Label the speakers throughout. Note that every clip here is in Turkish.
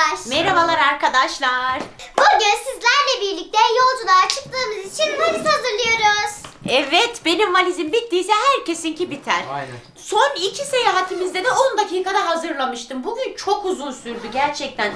Speaker 1: Merhabalar arkadaşlar.
Speaker 2: Bugün sizlerle birlikte yolculuğa çıktığımız için valiz hazırlıyoruz.
Speaker 1: Evet, benim valizim bittiyse herkesinki biter.
Speaker 3: Aynen.
Speaker 1: Son 2 seyahatimizde de 10 dakikada hazırlamıştım. Bugün çok uzun sürdü gerçekten.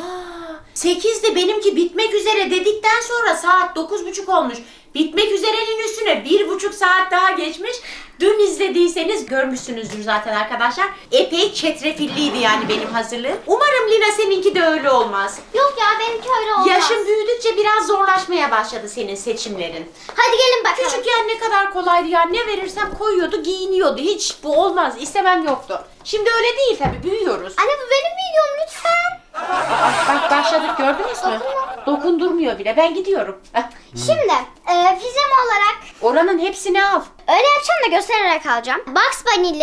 Speaker 1: 8'de benimki bitmek üzere dedikten sonra saat 9.30 olmuş. Bitmek üzerenin üstüne 1,5 saat daha geçmiş. Dün izlediyseniz görmüşsünüzdür zaten arkadaşlar. Epey çetrefilliydi yani benim hazırlığım. Umarım Lina seninki de öyle olmaz.
Speaker 2: Yok ya benimki öyle olmaz.
Speaker 1: Yaşın büyüdükçe biraz zorlaşmaya başladı senin seçimlerin.
Speaker 2: Hadi gelin bakalım.
Speaker 1: Küçükken ne kadar kolaydı ya. Ne verirsem koyuyordu, giyiniyordu. Hiç bu olmaz. İstemem yoktu. Şimdi öyle değil tabii. Büyüyoruz.
Speaker 2: Anne bu benim videom lütfen.
Speaker 1: Bak başladık gördünüz mü? Dokundurmuyor bile. Ben gidiyorum.
Speaker 2: Şimdi pijama olarak
Speaker 1: Oranın hepsini al.
Speaker 2: öyle yapacağım da göstererek alacağım. Bugs Bunny'li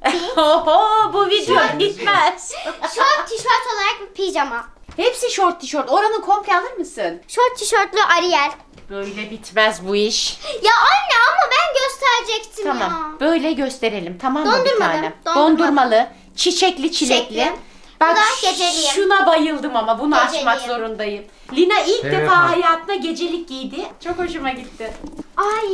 Speaker 1: Oho, bu video bitmez.
Speaker 2: şort tişört olarak bir pijama.
Speaker 1: Hepsi şort tişört. Oranın komple alır mısın?
Speaker 2: Şort tişörtlü Ariel.
Speaker 1: Böyle bitmez bu iş.
Speaker 2: Ya anne ama ben gösterecektim
Speaker 1: Tamam.
Speaker 2: ya.
Speaker 1: Böyle gösterelim. Tamam mı bir
Speaker 2: Dondurmalı,
Speaker 1: tane?
Speaker 2: dondurmalı.
Speaker 1: Dondurmalı. Çiçekli çilekli.
Speaker 2: Çiçekli.
Speaker 1: Bak
Speaker 2: Bu da geceliğim.
Speaker 1: şuna bayıldım ama bunu
Speaker 2: Geceliğim.
Speaker 1: açmak zorundayım. Lina ilk
Speaker 3: Evet,
Speaker 1: defa
Speaker 3: ha.
Speaker 1: hayatında gecelik giydi. Çok hoşuma gitti.
Speaker 2: Ay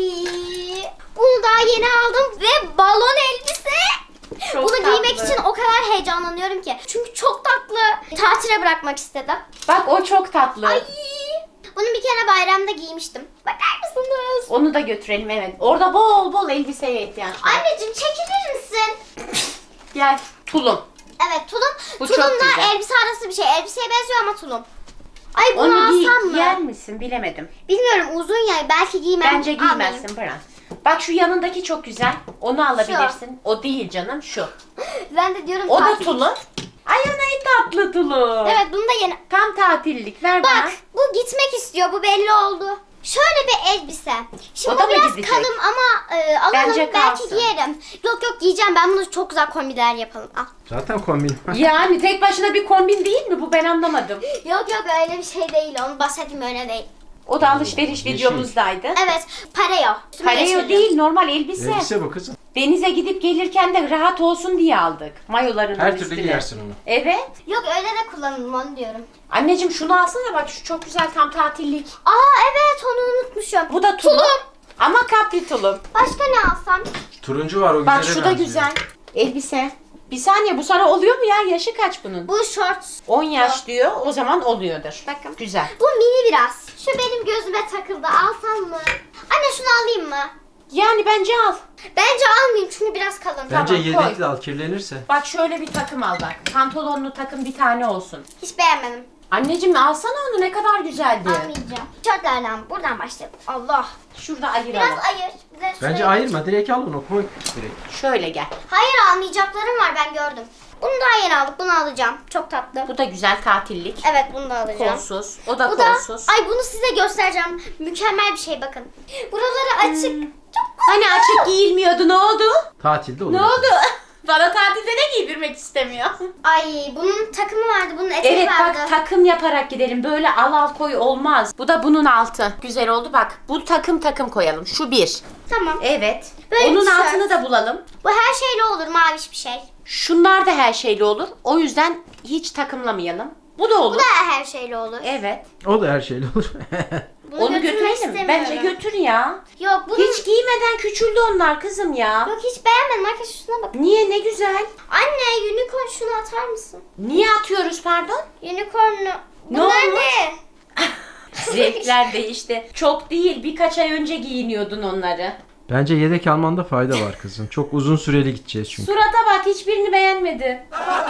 Speaker 2: bunu daha yeni aldım ve balon elbise.
Speaker 1: Çok
Speaker 2: Bunu giymek
Speaker 1: tatlı.
Speaker 2: için o kadar heyecanlanıyorum ki. Çünkü çok tatlı. Tatile bırakmak istedim.
Speaker 1: Bak o çok tatlı.
Speaker 2: Ay. Bunu bir kere bayramda giymiştim. Bakar mısınız?
Speaker 1: Onu da götürelim evet. Orada bol bol elbiseye ihtiyaç var.
Speaker 2: Anneciğim çekilir misin?
Speaker 1: Gel tulum.
Speaker 2: Evet tulum.
Speaker 1: Bu çok
Speaker 2: Tulumla
Speaker 1: güzel.
Speaker 2: elbise arası bir şey. Elbiseye benziyor ama tulum. Ay bunu
Speaker 1: Onu
Speaker 2: alsam mı?
Speaker 1: giyer misin bilemedim.
Speaker 2: Bilmiyorum uzun ya. Belki giymem.
Speaker 1: Bence giymezsin bırak. Bak şu yanındaki çok güzel. Onu alabilirsin. O değil canım şu.
Speaker 2: Ben de diyorum
Speaker 1: O da
Speaker 2: tatil.
Speaker 1: tulum. Ay o ne tatlı tulum.
Speaker 2: Evet bunu da yeni.
Speaker 1: Tam tatillik ver bana.
Speaker 2: Bak bu gitmek istiyor. Bu belli oldu. Şöyle bir elbise. Şimdi
Speaker 1: O da
Speaker 2: bu
Speaker 1: mı
Speaker 2: biraz
Speaker 1: gidecek?
Speaker 2: kalın ama alalım
Speaker 1: Bence
Speaker 2: belki
Speaker 1: kalsın.
Speaker 2: giyerim. Yok giyeceğim. Ben bunu çok güzel kombinler yapalım. Al.
Speaker 3: Zaten kombin.
Speaker 1: Yani tek başına bir kombin değil mi bu, ben anlamadım.
Speaker 2: Yok öyle bir şey değil. Onu bahsettiğim öyle değil.
Speaker 1: O da alışveriş
Speaker 3: Yeşil.
Speaker 1: videomuzdaydı.
Speaker 2: Evet pareo. Üstüme
Speaker 1: Pareo
Speaker 2: geçirdim.
Speaker 1: değil, normal elbise.
Speaker 3: Elbise bu kızım.
Speaker 1: Denize gidip gelirken de rahat olsun diye aldık. Mayoların
Speaker 3: Her türlü
Speaker 1: üstüne.
Speaker 3: giyersin onu.
Speaker 1: Evet.
Speaker 2: Yok öyle de kullanırım onu diyorum.
Speaker 1: Anneciğim şunu alsana bak, şu çok güzel tam tatillik.
Speaker 2: Aa evet onu unutmuşum.
Speaker 1: Bu da tulum.
Speaker 2: Tulum.
Speaker 1: Ama kapri tulum.
Speaker 2: Başka ne alsam?
Speaker 3: Turuncu var o güzel.
Speaker 1: Bak şu da güzel. Elbise. Bir saniye, bu sana oluyor mu ya? Yaşı kaç bunun?
Speaker 2: Bu short.
Speaker 1: 10 yaş diyor. O zaman oluyordur.
Speaker 2: Bakın.
Speaker 1: Güzel.
Speaker 2: Bu mini biraz. Şu benim gözüme takıldı. Alsam mı? Anne şunu alayım mı?
Speaker 1: Yani bence al.
Speaker 2: Bence almayayım çünkü biraz kalın.
Speaker 3: Bence
Speaker 1: Tamam,
Speaker 3: yedekli al kirlenirse.
Speaker 1: Bak şöyle bir takım al bak. Pantolonlu takım bir tane olsun.
Speaker 2: Hiç beğenmedim.
Speaker 1: Anneciğim alsana onu, ne kadar güzeldi.
Speaker 2: Almayacağım. Şortlardan buradan başlayalım. Allah.
Speaker 1: Şurada ayıralım.
Speaker 2: Biraz ayır. Bize
Speaker 3: Bence
Speaker 2: şuraya-
Speaker 3: ayırma, direkt al onu, koy direkt.
Speaker 1: Şöyle gel.
Speaker 2: Hayır almayacaklarım var ben gördüm. Bunu daha yeni aldık. Bunu alacağım. Çok tatlı.
Speaker 1: Bu da güzel tatillik.
Speaker 2: Evet bunu da alacağım.
Speaker 1: Kolsuz. O da
Speaker 2: Bu da
Speaker 1: kolsuz.
Speaker 2: ay bunu size göstereceğim. Mükemmel bir şey bakın. Buraları açık. Çok
Speaker 1: Hani açık giyilmiyordu, ne oldu?
Speaker 3: Tatilde olur.
Speaker 1: Ne oldu? Bana tatilde ne giydirmek istemiyor?
Speaker 2: Ay bunun takımı vardı. Bunun eteği
Speaker 1: Evet
Speaker 2: vardı.
Speaker 1: bak, takım yaparak gidelim. Böyle al koy olmaz. Bu da bunun altı. Güzel oldu bak. Bu takım koyalım. Şu bir.
Speaker 2: Tamam.
Speaker 1: Evet.
Speaker 2: Böyle
Speaker 1: Onun
Speaker 2: tişört.
Speaker 1: altını da bulalım.
Speaker 2: Bu her şeyle olur maviş bir şey.
Speaker 1: Şunlar da her şeyli olur. O yüzden hiç takımlamayalım. Bu da olur.
Speaker 2: Bu da her şeyle olur.
Speaker 1: Evet.
Speaker 3: O da her şeyle olur.
Speaker 2: Bunu
Speaker 1: Onu
Speaker 2: götürmek
Speaker 1: götürelim.
Speaker 2: istemiyorum.
Speaker 1: Bence götür ya.
Speaker 2: Yok bunu
Speaker 1: Hiç giymeden küçüldü onlar kızım ya.
Speaker 2: yok hiç beğenmedim. Arkadaşlar şuna bak.
Speaker 1: Niye, ne güzel.
Speaker 2: Anne unicorn şunu atar mısın?
Speaker 1: Niye atıyoruz pardon?
Speaker 2: Unicorn'u.
Speaker 1: Ne
Speaker 2: Bunlar
Speaker 1: olmuş?
Speaker 2: ne?
Speaker 1: Zevkler değişti. Çok değil, birkaç ay önce giyiniyordun onları.
Speaker 3: Bence yedek almanda fayda var kızım. Çok uzun süreli gideceğiz çünkü.
Speaker 1: Surata bak, hiçbirini beğenmedi.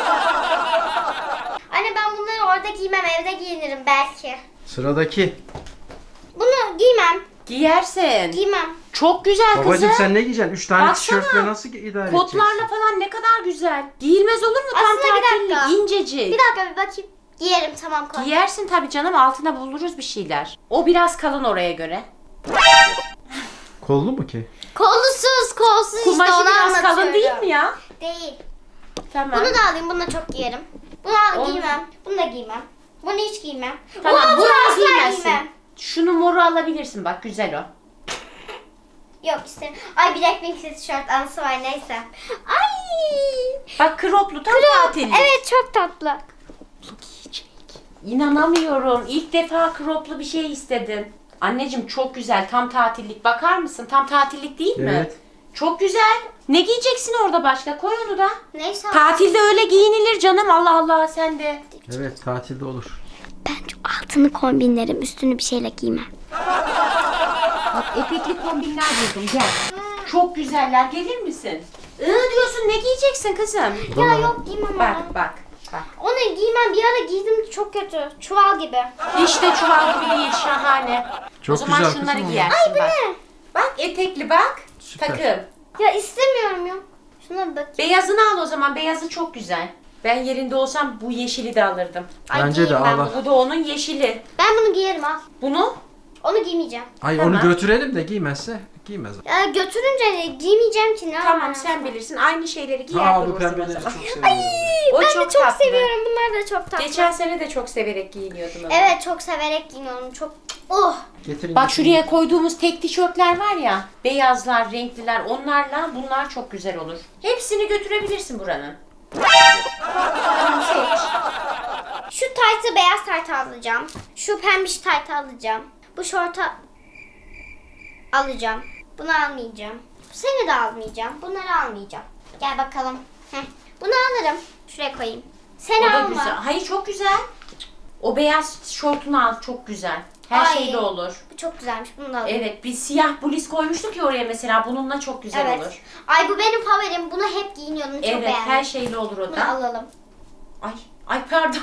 Speaker 2: Anne ben bunları orada giymem. Evde giyinirim belki.
Speaker 3: Sıradaki.
Speaker 2: Bunu giymem.
Speaker 1: Giyersin.
Speaker 2: Giymem.
Speaker 1: Çok güzel kızım.
Speaker 3: Babacım sen ne giyeceksin? 3 tane
Speaker 1: Baksana.
Speaker 3: tişörtle nasıl idare edeceksin?
Speaker 1: Kotlarla falan ne kadar güzel. Giyilmez olur mu? Tam
Speaker 2: Aslında bir dakika.
Speaker 1: tatillik, incecik.
Speaker 2: Bir dakika bir bakayım. Giyerim tamam koy.
Speaker 1: Giyersin tabii canım, altına buluruz bir şeyler. O biraz kalın oraya göre.
Speaker 3: Kollu mu ki?
Speaker 2: Kolsuz
Speaker 1: Kumaşı
Speaker 2: işte onu
Speaker 1: biraz kalın
Speaker 2: anlatıyorum.
Speaker 1: değil mi ya?
Speaker 2: Değil.
Speaker 1: Tamam.
Speaker 2: Bunu da alayım. Bunu da çok giyerim. Bunu
Speaker 1: Onu-
Speaker 2: giymem. Bunu da giymem. Bunu hiç giymem.
Speaker 1: Tamam,
Speaker 2: Bunu
Speaker 1: bunu
Speaker 2: asla
Speaker 1: giymezsin.
Speaker 2: giymem.
Speaker 1: Şunu moru alabilirsin bak, güzel o.
Speaker 2: Yok isterim. Ay Blackpink tişört anısı var neyse. Ay.
Speaker 1: Bak kroplu tam tatillik.
Speaker 2: Evet çok tatlı.
Speaker 1: Bunu giyecek. İnanamıyorum. İlk defa croplu bir şey istedin. Anneciğim çok güzel. Tam tatillik. Bakar mısın? Tam tatillik değil mi?
Speaker 3: Evet.
Speaker 1: Çok güzel. Ne giyeceksin orada başka? Koy onu da.
Speaker 2: Neyse.
Speaker 1: Tatilde öyle giyinilir canım. Allah Allah sen de.
Speaker 3: Evet tatilde olur.
Speaker 2: Ben altını kombinlerim. Üstünü bir şeyle giymem.
Speaker 1: Bak etekli kombinler buldum. Gel. Çok güzeller. Gelir misin? Diyorsun ne giyeceksin kızım?
Speaker 2: Ya yok giymem onu.
Speaker 1: Bak bak. Bak.
Speaker 2: Onu giymem. Bir ara giydim çok kötü. Çuval gibi.
Speaker 1: Hiç de çuval gibi değil. Şahane.
Speaker 3: Çok
Speaker 1: o zaman
Speaker 3: güzel
Speaker 1: şunları
Speaker 3: kızım o.
Speaker 1: giyersin
Speaker 2: Ay bu
Speaker 1: bak.
Speaker 2: ne?
Speaker 1: Bak etekli bak.
Speaker 3: Süper.
Speaker 1: Takım.
Speaker 2: Ya istemiyorum ya. Şuna bir bak.
Speaker 1: Beyazını al o zaman. Beyazı çok güzel. Ben yerinde olsam bu yeşili de alırdım.
Speaker 2: Ay,
Speaker 3: Bence de
Speaker 2: giyeyim ben.
Speaker 3: al.
Speaker 1: Bu da onun yeşili.
Speaker 2: Ben bunu giyerim al.
Speaker 1: Bunu
Speaker 2: Onu giymeyeceğim.
Speaker 3: Ay
Speaker 1: Tamam.
Speaker 3: onu götürelim de giymezse giymez.
Speaker 2: Ya götürünce giymeyeceğim ki ne
Speaker 1: tamam
Speaker 2: yapayım?
Speaker 1: sen bilirsin. Aynı şeyleri giyer
Speaker 3: Ha bu
Speaker 1: durursun o
Speaker 3: pembeleri
Speaker 1: zaman.
Speaker 3: çok seviyorum.
Speaker 1: O
Speaker 2: Ben
Speaker 1: çok
Speaker 2: de çok
Speaker 1: tatlı.
Speaker 2: seviyorum. Bunlar da çok tatlı.
Speaker 1: Geçen sene de çok severek giyiniyordum ama.
Speaker 2: Evet çok severek giyiniyorum. Çok oh.
Speaker 3: Getirin.
Speaker 1: Bak
Speaker 3: getirin.
Speaker 1: şuraya koyduğumuz tek tişörtler var ya. Beyazlar, renkliler onlarla bunlar çok güzel olur. Hepsini götürebilirsin buranın. Tamam seç.
Speaker 2: Şu taytı beyaz taytı alacağım. Şu pembiş taytı alacağım. Bu şortu alacağım. Bunu almayacağım. Seni de almayacağım. Bunları almayacağım. Gel bakalım. Heh. Bunu alırım. Şuraya koyayım. Seni
Speaker 1: O da
Speaker 2: alma.
Speaker 1: güzel. Hayır çok güzel. O beyaz şortunu al çok güzel. Her
Speaker 2: Ay.
Speaker 1: şeyle olur.
Speaker 2: Bu çok güzelmiş. Bunu da alayım.
Speaker 1: Evet bir siyah bluz koymuştuk ya oraya mesela. Bununla çok güzel
Speaker 2: Evet.
Speaker 1: olur.
Speaker 2: Ay bu benim favorim. Bunu hep giyiniyordum. Çok
Speaker 1: Evet
Speaker 2: beğendim.
Speaker 1: her şeyle olur o
Speaker 2: Bunu
Speaker 1: da.
Speaker 2: alalım.
Speaker 1: Ay pardon.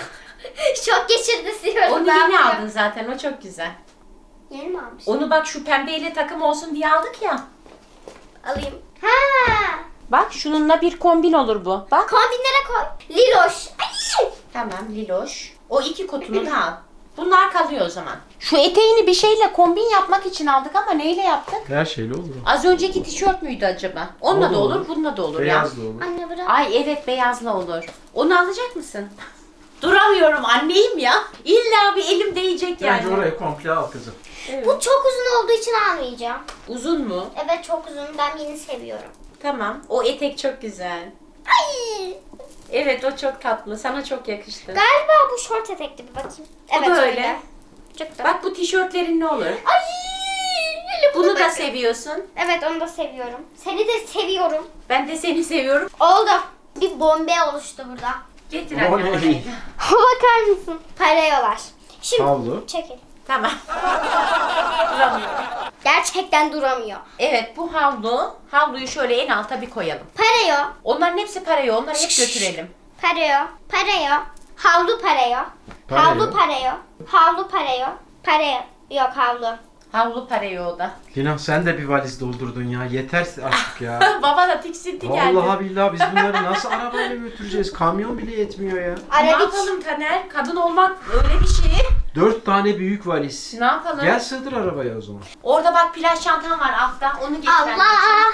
Speaker 2: Şok geçirdi siyorum.
Speaker 1: Onu
Speaker 2: ben
Speaker 1: yeni
Speaker 2: bunu.
Speaker 1: aldın zaten o çok güzel.
Speaker 2: Yeni mi almış?
Speaker 1: Onu bak şu pembeyle takım olsun diye aldık ya.
Speaker 2: Alayım. Ha!
Speaker 1: Bak şununla bir kombin olur bu. Bak.
Speaker 2: Kombinlere koy. Liloş. Ay!
Speaker 1: Tamam Liloş. O iki kotunu da al. Bunlar kalıyor o zaman. Şu eteğini bir şeyle kombin yapmak için aldık ama neyle yaptık?
Speaker 3: Her şeyle olur.
Speaker 1: Az önceki tişört müydü acaba? Onunla
Speaker 3: O da
Speaker 1: da olur,
Speaker 3: olur.
Speaker 1: bununla da olur ya.
Speaker 3: Beyaz da olur.
Speaker 2: Anne bırak.
Speaker 1: Ay evet beyazla olur. Onu alacak mısın? Duramıyorum anneyim ya. İlla bir elim değecek yani.
Speaker 3: Bence orayı komple al kızım.
Speaker 2: Bu çok uzun olduğu için almayacağım.
Speaker 1: Uzun mu?
Speaker 2: Evet çok uzun. Ben yeni seviyorum.
Speaker 1: Tamam. O etek çok güzel.
Speaker 2: Ay!
Speaker 1: Evet o çok tatlı. Sana çok yakıştı.
Speaker 2: Galiba bu şort etekli bir bakayım.
Speaker 1: Bu da öyle.
Speaker 2: Çok da.
Speaker 1: Bak bu tişörtlerin ne olur?
Speaker 2: Ay! Öyle
Speaker 1: Bunu da
Speaker 2: bakın.
Speaker 1: seviyorsun.
Speaker 2: Evet onu da seviyorum. Seni de seviyorum.
Speaker 1: Ben de seni seviyorum.
Speaker 2: Oldu. Bir bombe oluştu burada.
Speaker 1: Getir
Speaker 3: O
Speaker 1: anne
Speaker 3: ne?
Speaker 1: orayı.
Speaker 2: Bakar mısın? Parayolar. Şimdi
Speaker 3: Havlu.
Speaker 2: çekil.
Speaker 1: Tamam. Duramıyorum.
Speaker 2: Gerçekten duramıyor.
Speaker 1: Evet bu havlu. Havluyu şöyle en alta bir koyalım.
Speaker 2: Parayo.
Speaker 1: Onların hepsi parayo. Onları hep
Speaker 2: Şşş.
Speaker 1: götürelim.
Speaker 2: Parayo. Parayo. Havlu parayo.
Speaker 3: Parayo.
Speaker 2: Havlu parayo. Havlu parayo. Parayo. Yok havlu.
Speaker 1: Havlu parayo o da.
Speaker 3: Lina sen de bir valiz doldurdun ya. Yeter artık ya.
Speaker 1: Baba da tiksinti geldi.
Speaker 3: Vallahi billahi biz bunları nasıl arabayla götüreceğiz? Kamyon bile yetmiyor ya.
Speaker 1: Ne
Speaker 2: Arabik.
Speaker 1: yapalım Taner? Kadın olmak öyle bir şey.
Speaker 3: 4 tane büyük valiz.
Speaker 1: Ne yapalım?
Speaker 3: Gel sığdır arabaya o zaman.
Speaker 1: Orada bak plaj çantan var altta. Onu getir anneciğim.
Speaker 2: Allah.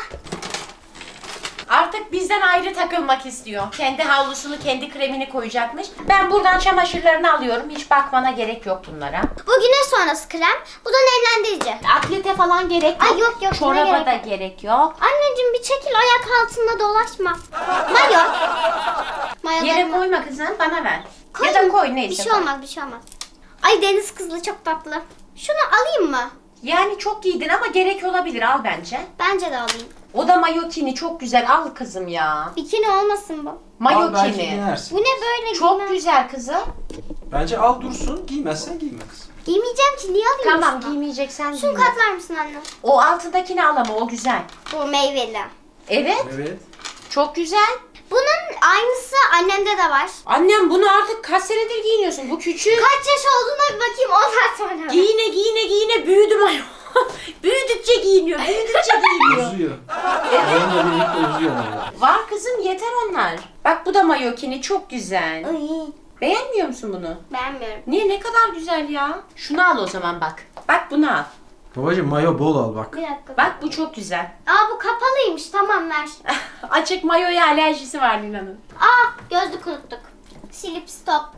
Speaker 1: Artık bizden ayrı takılmak istiyor. Kendi havlusunu, kendi kremini koyacakmış. Ben buradan çamaşırlarını alıyorum. Hiç bakmana gerek yok bunlara.
Speaker 2: Bu güneş sonrası krem. Bu da nemlendirici.
Speaker 1: Atlete falan gerek yok.
Speaker 2: Ay yok yok. buna
Speaker 1: Çoraba
Speaker 2: gerek
Speaker 1: da
Speaker 2: yok.
Speaker 1: gerek yok.
Speaker 2: Anneciğim bir çekil ayak altında dolaşma. Mayo.
Speaker 1: Yere
Speaker 2: Mayolarımı
Speaker 1: koyma kızım bana ver. Ya
Speaker 2: koyayım.
Speaker 1: da koy neyse.
Speaker 2: Bir şey
Speaker 1: koy.
Speaker 2: olmaz bir şey olmaz. Ay deniz kızlı çok tatlı. Şunu alayım mı?
Speaker 1: Yani çok giydin ama gerek olabilir al bence.
Speaker 2: Bence de alayım.
Speaker 1: O da mayokini çok güzel al kızım ya.
Speaker 2: Bikini olmasın bu.
Speaker 3: Al belki
Speaker 1: Mayokini.
Speaker 3: giyersin.
Speaker 2: Bu ne böyle
Speaker 1: Çok
Speaker 2: giymem?
Speaker 1: güzel kızım.
Speaker 3: Bence al dursun. Giymezsen giyme kızım.
Speaker 2: Giymeyeceğim ki niye alayım?
Speaker 1: Tamam
Speaker 2: şunu?
Speaker 1: giymeyeceksen
Speaker 2: Şunu
Speaker 1: giyme.
Speaker 2: katlar mısın anne?
Speaker 1: O altındakini al ama o güzel.
Speaker 2: Bu meyveli.
Speaker 1: Evet
Speaker 3: Evet.
Speaker 1: çok güzel.
Speaker 2: Bunun aynısı annemde de var.
Speaker 1: Annem bunu artık kaç senedir giyiniyorsun? Bu küçük.
Speaker 2: Kaç yaş olduğuna bir bakayım ondan sonra.
Speaker 1: Giyine büyüdüm ayol. Büyüdükçe giyiniyor, büyüdükçe giyiniyor.
Speaker 3: Uzuyor. Onunla birlikte uzuyor yani.
Speaker 1: Var kızım yeter onlar. Bak bu da mayokini çok güzel.
Speaker 2: Ay,
Speaker 1: Beğenmiyor musun bunu?
Speaker 2: beğenmiyorum.
Speaker 1: Niye ne kadar güzel ya. Şunu al o zaman bak. Bak bunu al.
Speaker 3: Babacım mayo bol al bak.
Speaker 2: Bir dakika.
Speaker 1: Bak bu çok güzel.
Speaker 2: Aa bu kapalıymış tamam ver.
Speaker 1: Açık mayoya alerjisi var Lina'nın.
Speaker 2: Aa gözlük unuttuk. Silip stop.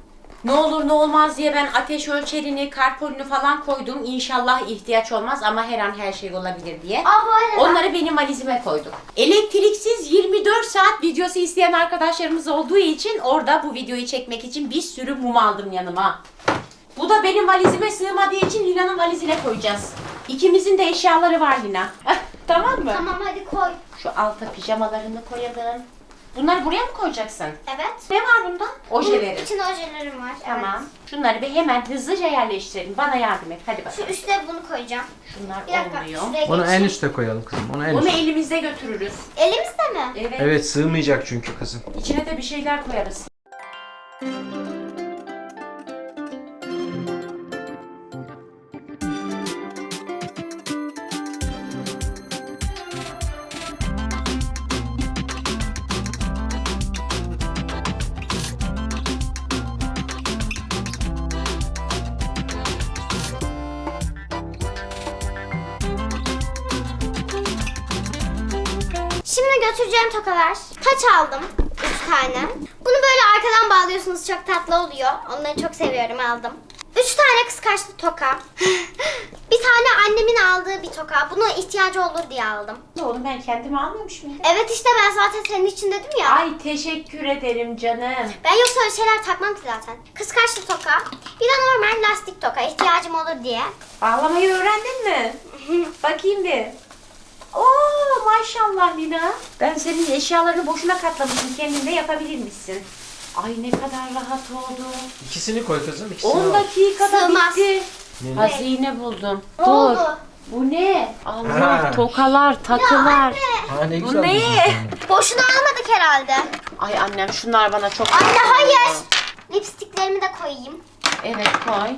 Speaker 1: Ne olur ne olmaz diye ben ateş ölçerini, karpolünü falan koydum. İnşallah ihtiyaç olmaz ama her an her şey olabilir diye.
Speaker 2: Aa, bu arada.
Speaker 1: Onları benim valizime koydum. Elektriksiz 24 saat videosu isteyen arkadaşlarımız olduğu için orada bu videoyu çekmek için bir sürü mum aldım yanıma. Bu da benim valizime sığmadığı için Lina'nın valizine koyacağız. İkimizin de eşyaları var Lina. Tamam mı?
Speaker 2: Tamam hadi koy.
Speaker 1: Şu alta pijamalarını koyalım. Bunları buraya mı koyacaksın?
Speaker 2: Evet.
Speaker 1: Ne var bunda? Ojelerin.
Speaker 2: İçinde ojelerim var.
Speaker 1: Tamam.
Speaker 2: Evet.
Speaker 1: Şunları bir hemen hızlıca yerleştirelim. Bana yardım et. Hadi
Speaker 2: Şu
Speaker 1: bakalım.
Speaker 2: üstte bunu koyacağım.
Speaker 1: Şunlar
Speaker 2: Bir dakika.
Speaker 1: olmuyor.
Speaker 2: Şuraya
Speaker 3: Onu en
Speaker 2: geçeyim.
Speaker 3: üste koyalım kızım. Onu en
Speaker 1: Bunu
Speaker 3: üste.
Speaker 1: elimizde götürürüz.
Speaker 2: Elimizde mi?
Speaker 1: Evet.
Speaker 3: Evet, sığmayacak çünkü kızım.
Speaker 1: İçine de bir şeyler koyarız.
Speaker 2: Şimdi götüreceğim tokalar. Taç aldım. 3 tane. Bunu böyle arkadan bağlıyorsunuz. Çok tatlı oluyor. Onları çok seviyorum, aldım. 3 tane kıskaçlı toka. Bir tane annemin aldığı bir toka. Buna ihtiyacı olur diye aldım.
Speaker 1: Oğlum ben kendimi almamış mıydım?
Speaker 2: Evet işte ben zaten senin için dedim ya.
Speaker 1: Ay teşekkür ederim canım.
Speaker 2: Ben yoksa öyle şeyler takmam ki zaten. Kıskaçlı toka. Bir de normal lastik toka. İhtiyacım olur diye.
Speaker 1: Bağlamayı öğrendin mi? Bakayım bir. Oo maşallah Lina. Ben senin eşyalarını boşuna katlamışım. Kendin de yapabilir misin? Ay ne kadar rahat oldu.
Speaker 3: İkisini koy kızım. İkisini
Speaker 1: 10
Speaker 3: al.
Speaker 1: dakikada
Speaker 2: Sığmaz.
Speaker 1: bitti.
Speaker 3: Ne?
Speaker 1: Hazine buldum.
Speaker 2: Ne
Speaker 1: Dur.
Speaker 2: oldu?
Speaker 1: Bu ne? Allah
Speaker 3: Ha.
Speaker 1: tokalar, takılar.
Speaker 2: Anne.
Speaker 3: Ha, ne
Speaker 1: Bu
Speaker 3: güzel.
Speaker 1: ne?
Speaker 3: buldun.
Speaker 2: Boşuna almadık herhalde.
Speaker 1: Ay annem şunlar bana çok
Speaker 2: Anne
Speaker 1: güzel
Speaker 2: hayır.
Speaker 1: oldu.
Speaker 2: Lipstiklerimi de koyayım.
Speaker 1: Evet koy.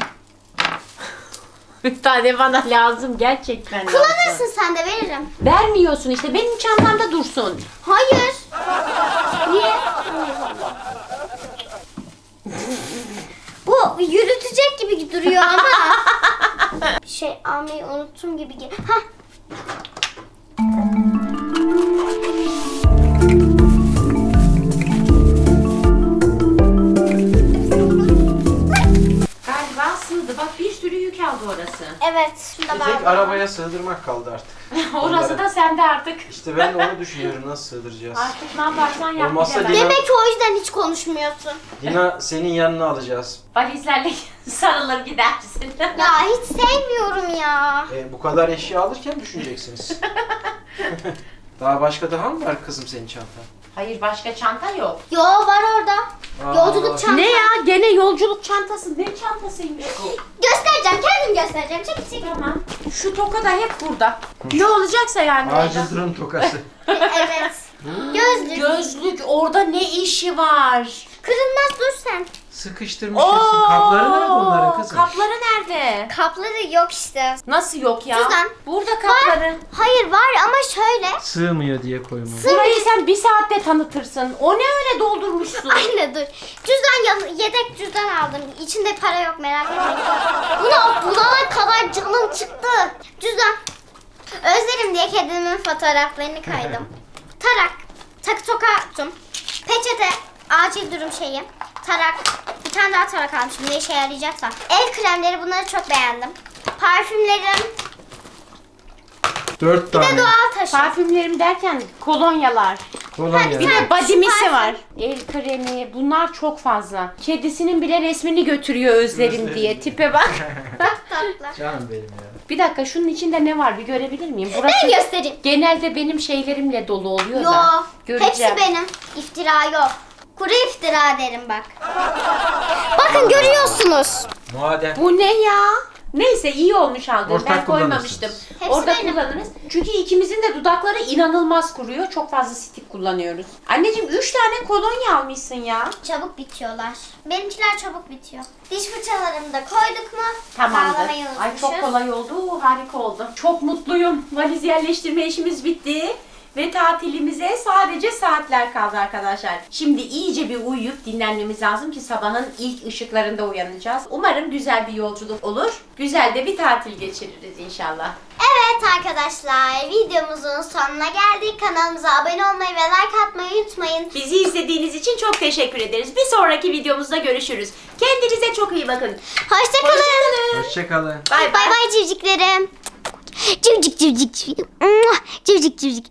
Speaker 1: Bir tane bana lazım gerçekten lazım.
Speaker 2: Kullanırsın sen de, veririm.
Speaker 1: Vermiyorsun işte benim çantamda dursun.
Speaker 2: Hayır. Niye? Bu yürütecek gibi duruyor ama. Bir şey almayı unuttum gibi. Hah.
Speaker 1: Galiba sığdı. Bak bir sürü yük aldı orası.
Speaker 2: Evet. Şunu da
Speaker 3: Bir tek
Speaker 2: bağladım.
Speaker 3: arabaya sığdırmak kaldı artık.
Speaker 1: Orası da sende artık.
Speaker 3: İşte ben de onu düşünüyorum, nasıl sığdıracağız.
Speaker 1: Artık ne yaparsan yap
Speaker 3: Olmazsa
Speaker 1: bilemem.
Speaker 3: Lina-
Speaker 2: Demek ki o yüzden hiç konuşmuyorsun.
Speaker 3: Lina senin yanına alacağız.
Speaker 1: Valizlerle sarılır gidersin.
Speaker 2: Ya hiç sevmiyorum ya.
Speaker 3: Bu kadar eşya alırken düşüneceksiniz. Daha mı var kızım senin çantan?
Speaker 1: Hayır başka çanta yok.
Speaker 2: Yo, var orada.
Speaker 3: Aa.
Speaker 2: Yolculuk çantası.
Speaker 1: Ne ya? Gene yolculuk çantası. Ne çantasıymış bu?
Speaker 2: Göstereceğim, kendim göstereceğim. Çek çek.
Speaker 1: Tamam. Şu toka da hep burada. Ne olacaksa yani.
Speaker 3: Acil durum tokası.
Speaker 2: Evet. Gözlük.
Speaker 1: Gözlük orada ne işi var?
Speaker 2: Kırılmaz, dur sen.
Speaker 3: Sıkıştırmış hepsini. Kapları nerede onların kızım?
Speaker 1: Kapları nerede?
Speaker 2: Kapları yok işte.
Speaker 1: Nasıl yok ya?
Speaker 2: Cüzdan.
Speaker 1: Burada kapları.
Speaker 2: Var. Hayır var ama şöyle.
Speaker 3: Sığmıyor diye koymadım.
Speaker 1: Burayı sen bir saatte tanıtırsın. O ne öyle doldurmuşsun?
Speaker 2: Aynen, dur. Yedek cüzdan aldım. İçinde para yok, merak etmeyin. Bunu bulana kadar canım çıktı. Cüzdan. Özlerim diye kedimin fotoğraflarını kaydım. Tarak. Takı toka tuttum. Peçete. Acil durum şeyi. Tarak. Bir tane daha tarak almışım. Ne işe yarayacaksa. El kremleri, bunları çok beğendim. Parfümlerim.
Speaker 3: 4
Speaker 2: Bir
Speaker 3: tane.
Speaker 2: de doğal taşı.
Speaker 1: Parfümlerim derken kolonyalar.
Speaker 3: Kolonya.
Speaker 1: Bir de
Speaker 2: Şu
Speaker 1: badimisi
Speaker 2: parfüm.
Speaker 1: var. El kremi. Bunlar çok fazla. Kedisinin bile resmini götürüyor Özlerim
Speaker 3: Özlerim
Speaker 1: diye.
Speaker 3: diye.
Speaker 1: Tipe bak.
Speaker 2: Tatlı.
Speaker 3: Canım benim ya.
Speaker 1: Bir dakika şunun içinde ne var bir görebilir miyim?
Speaker 2: Ben
Speaker 1: Burası
Speaker 2: göstereyim.
Speaker 1: genelde benim şeylerimle dolu oluyor
Speaker 2: Yo.
Speaker 1: da. Göreceğim.
Speaker 2: Hepsi benim. İftira yok. Kuru iftira derim bak. Bakın, görüyorsunuz.
Speaker 3: Madem.
Speaker 1: Bu ne ya? Neyse iyi olmuş aldığım.
Speaker 3: Ortak
Speaker 1: Ben koymamıştım.
Speaker 3: kullanırsınız.
Speaker 2: Hepsi
Speaker 1: Orada
Speaker 2: benim.
Speaker 1: kullanırız. Çünkü ikimizin de dudakları inanılmaz kuruyor. Çok fazla stik kullanıyoruz. Anneciğim 3 tane kolonya almışsın ya.
Speaker 2: Çabuk bitiyorlar. Benimkiler çabuk bitiyor. Diş fırçalarımı da koyduk mu?
Speaker 1: Tamamdır.
Speaker 2: Bağlamayı
Speaker 1: Ay çok
Speaker 2: unutmuşuz.
Speaker 1: kolay oldu. Harika oldu. Çok mutluyum. Valiz yerleştirme işimiz bitti. Ve tatilimize sadece saatler kaldı arkadaşlar. Şimdi iyice bir uyuyup dinlenmemiz lazım ki sabahın ilk ışıklarında uyanacağız. Umarım güzel bir yolculuk olur. Güzel de bir tatil geçiririz inşallah.
Speaker 2: Evet arkadaşlar, videomuzun sonuna geldik. Kanalımıza abone olmayı ve like atmayı unutmayın.
Speaker 1: Bizi izlediğiniz için çok teşekkür ederiz. Bir sonraki videomuzda görüşürüz. Kendinize çok iyi bakın.
Speaker 2: Hoşçakalın.
Speaker 3: Hoşçakalın.
Speaker 1: Bay
Speaker 2: Bay bay civciklerim. Civcik civcik. Civcik civcik.